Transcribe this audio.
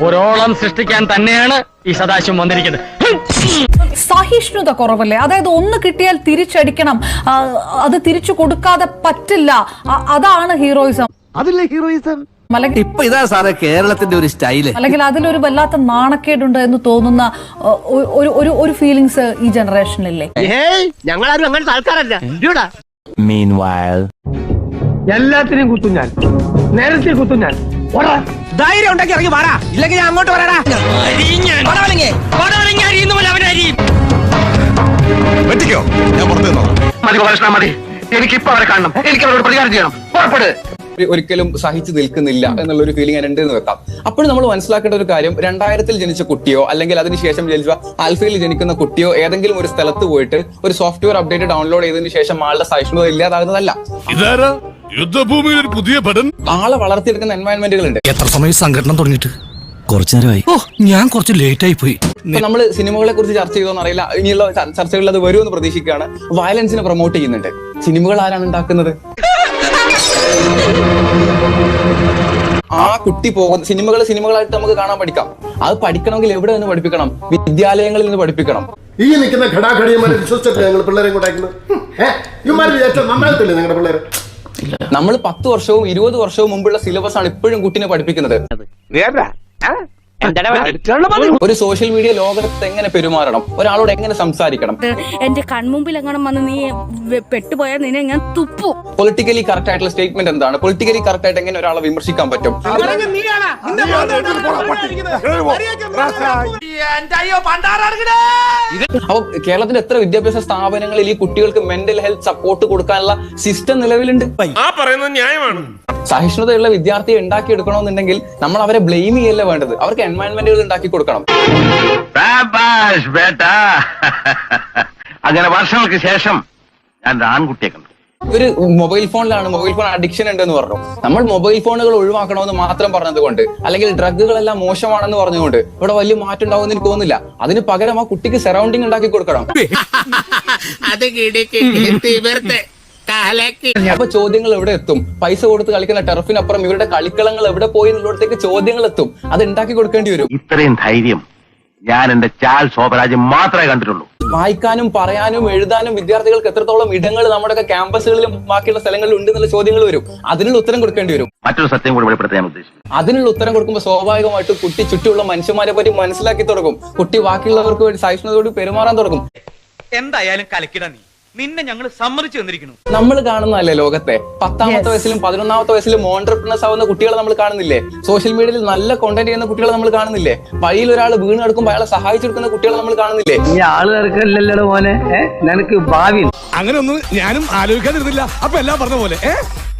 ഒരോളം സൃഷ്ടിക്കാൻ തന്നെയാണ് ഈ സദാശിവം വന്നിരിക്കുന്നത്. സഹിഷ്ണുത കുറവല്ലേ? അതായത് ഒന്ന് കിട്ടിയാൽ തിരിച്ചടിക്കണം, അത് തിരിച്ചു കൊടുക്കാതെ പറ്റില്ല. അതാണ് ഹീറോയിസം. അതില്ലേ ഹീറോയിസം? ഇപ്പൊ ഇതാ സാറേ കേരളത്തിന്റെ ഒരു സ്റ്റൈല്. അല്ലെങ്കിൽ അതിലൊരു വല്ലാത്ത നാണക്കേടുണ്ട് എന്ന് തോന്നുന്ന ഒരു ഫീലിങ്സ് ഈ ജനറേഷനില്ലേ? ഞങ്ങളാരും അങ്ങനത്തെ ആൾക്കാരല്ല. എല്ലാത്തിനെയും കുത്തും ഞാൻ, നേരത്തെ കുത്തും ഞാൻ. ധൈര്യം ഉണ്ടെങ്കിൽ ഇറങ്ങി വാടാ, ഇല്ലെങ്കിൽ ഞാൻ അങ്ങോട്ട് വരാടാ. മതി, എനിക്കിപ്പോ അവരെ കാണണം, എനിക്ക് അവരോട് പ്രതികാരം ചെയ്യണം. പുറപ്പെട്. ഒരിക്കലും സഹിച്ചു നിൽക്കുന്നില്ല എന്നുള്ള ഒരു ഫീലിംഗ് ഉണ്ട് എന്ന് വെക്കാം. അപ്പോഴും നമ്മൾ മനസ്സിലാക്കേണ്ട ഒരു കാര്യം, 2000-ൽ ജനിച്ച കുട്ടിയോ അല്ലെങ്കിൽ അതിനുശേഷം ജനിച്ച ആൽഫയിൽ ജനിക്കുന്ന കുട്ടിയോ ഏതെങ്കിലും ഒരു സ്ഥലത്ത് പോയിട്ട് ഒരു സോഫ്റ്റ്വെയർ അപ്ഡേറ്റ് ഡൗൺലോഡ് ചെയ്തതിനു ശേഷം ആളുടെ സഹിഷ്ണുത ഇല്ലാതാകുന്നതല്ല. യുദ്ധഭൂമിയിൽ ഒരു പുതിയ പഠനം. ആളെ വളർത്തിയെടുക്കുന്ന എൻവയൺമെന്റുകളുണ്ട്. എത്ര സമയം സംഘടന തുടങ്ങിയിട്ട്? കുറച്ചു നേരമായി. ഞാൻ കുറച്ച് ലേറ്റ് ആയി പോയി. ഇപ്പൊ നമ്മൾ സിനിമകളെ കുറിച്ച് ചർച്ച ചെയ്തോന്ന് അറിയില്ല, ഇനിയുള്ള ചർച്ചകളിൽ അത് വരുമെന്ന് പ്രതീക്ഷിക്കുകയാണ്. വയലൻസിനെ പ്രൊമോട്ട് ചെയ്യുന്നുണ്ട്. സിനിമകൾ ആരാണ് ഉണ്ടാക്കുന്നത്? ആ കുട്ടി പോകുന്ന സിനിമകളായിട്ട് നമുക്ക് കാണാൻ പഠിക്കാം. അത് പഠിക്കണമെങ്കിൽ എവിടെ നിന്ന് പഠിപ്പിക്കണം? വിദ്യാലയങ്ങളിൽ നിന്ന് പഠിപ്പിക്കണം. ഈ നിൽക്കുന്ന ഘടാഘടിയന്മാരെ വിശ്വസിച്ചിട്ടില്ല ഞങ്ങൾ പിള്ളേരെ കൊണ്ടാക്കുന്നത്. നന്നാകത്തില്ലേ നിങ്ങളുടെ പിള്ളേരെ? നമ്മൾ 10 വർഷവും 20 വർഷവും മുമ്പുള്ള സിലബസ് ആണ് ഇപ്പോഴും കുട്ടിനെ പഠിപ്പിക്കുന്നത്. ഒരു സോഷ്യൽ മീഡിയ ലോകത്ത് എങ്ങനെ പെരുമാറണം, ഒരാളോട് എങ്ങനെ സംസാരിക്കണം, എന്റെ കൺമുമ്പിൽ എങ്ങനെ വന്ന് നീ പെട്ടുപോയാൽ നിന്നെ ഞാൻ തുപ്പു. പൊളിറ്റിക്കലി കറക്റ്റ് ആയിട്ടുള്ള സ്റ്റേറ്റ്മെന്റ് എന്താണ്, പൊളിറ്റിക്കലി കറക്റ്റ് ആയിട്ട് എങ്ങനെ ഒരാളെ വിമർശിക്കാൻ പറ്റും. അപ്പൊ കേരളത്തിൽ എത്ര വിദ്യാഭ്യാസ സ്ഥാപനങ്ങളിൽ ഈ കുട്ടികൾക്ക് മെന്റൽ ഹെൽത്ത് സപ്പോർട്ട് കൊടുക്കാനുള്ള സിസ്റ്റം നിലവിലുണ്ട്. സഹിഷ്ണുതയുള്ള വിദ്യാർത്ഥിയെ ഉണ്ടാക്കിയെടുക്കണമെന്നുണ്ടെങ്കിൽ നമ്മൾ അവരെ ബ്ലെയിം ചെയ്യല്ല വേണ്ടത്, അവർക്ക് എൻവയൺമെന്റുകൾ ഉണ്ടാക്കി കൊടുക്കണം. അങ്ങനെ വർഷങ്ങൾക്ക് ശേഷം ഞാൻ ആൺകുട്ടിയെ കണ്ടു. ഒരു മൊബൈൽ ഫോണിലാണ്, മൊബൈൽ ഫോൺ അഡിക്ഷൻ ഉണ്ടെന്ന് പറഞ്ഞു. നമ്മൾ മൊബൈൽ ഫോണുകൾ ഒഴിവാക്കണമെന്ന് മാത്രം പറഞ്ഞതുകൊണ്ട് അല്ലെങ്കിൽ ഡ്രഗുകളെല്ലാം മോശമാണെന്ന് പറഞ്ഞുകൊണ്ട് ഇവിടെ വലിയ മാറ്റം ഉണ്ടാവുമെന്ന് എനിക്ക് തോന്നുന്നില്ല. അതിന് പകരം ആ കുട്ടിക്ക് സറൗണ്ടിങ് ഉണ്ടാക്കി കൊടുക്കണം. അപ്പൊ ചോദ്യങ്ങൾ എവിടെ എത്തും? പൈസ കൊടുത്ത് കളിക്കുന്ന ടർഫിനപ്പുറം ഇവരുടെ കളിക്കളങ്ങൾ എവിടെ പോയി എന്നുള്ളിടത്തേക്ക് ചോദ്യങ്ങൾ എത്തും. അത് ഉണ്ടാക്കി കൊടുക്കേണ്ടി വരും. ഇത്രയും ധൈര്യം ഞാൻ എന്റെ ചാൽ ശോഭരാജ് മാത്രമേ കണ്ടിട്ടുള്ളൂ. വായിക്കാനും പറയാനും എഴുതാനും വിദ്യാർത്ഥികൾക്ക് എത്രത്തോളം ഇടങ്ങൾ നമ്മുടെയൊക്കെ ക്യാമ്പസുകളിലും ബാക്കിയുള്ള സ്ഥലങ്ങളിലും ഉണ്ട് എന്നുള്ള ചോദ്യങ്ങൾ വരും. അതിനുള്ള ഉത്തരം കൊടുക്കേണ്ടി വരും. മറ്റൊരു സത്യം കൂടി വെളിപ്പെടുത്താൻ ഉദ്ദേശിക്കുന്നു. അതിനുള്ള ഉത്തരം കൊടുക്കുമ്പോൾ സ്വാഭാവികമായിട്ട് കുട്ടി ചുറ്റുമുള്ള മനുഷ്യന്മാരെ പറ്റി മനസ്സിലാക്കി തുടങ്ങും. കുട്ടി ബാക്കിയുള്ളവർക്ക് വേണ്ടി സഹിഷ്ണുതയോട് പെരുമാറാൻ തുടങ്ങും. എന്തായാലും കലക്കിട നിന്നെ ഞങ്ങൾ സമ്മതിച്ചു തന്നിരിക്കുന്നു. നമ്മൾ കാണുന്നതല്ലേ ലോകത്തെ 10ാമത്തെ വയസ്സിലും 11ാമത്തെ വയസ്സിലും ഓൺട്രപ്രണേഴ്സ് ആവുന്ന കുട്ടികളെ നമ്മൾ കാണുന്നില്ലേ? സോഷ്യൽ മീഡിയയിൽ നല്ല കോണ്ടന്റ് ചെയ്യുന്ന കുട്ടികളെ നമ്മൾ കാണുന്നില്ലേ? വഴിയിൽ ഒരാൾ വീണ് കിടക്കുമ്പോൾ അയാളെ സഹായിച്ചെടുക്കുന്ന കുട്ടികളെ നമ്മൾ കാണുന്നില്ലേ? ഈ ആള് ഇറക്കല്ലോ മോനെ, നിനക്ക് ഭാവി അങ്ങനെ ഒന്നും ഞാനും ആലോചിക്കാതിരുന്നില്ല. അപ്പൊ എല്ലാം പറഞ്ഞ പോലെ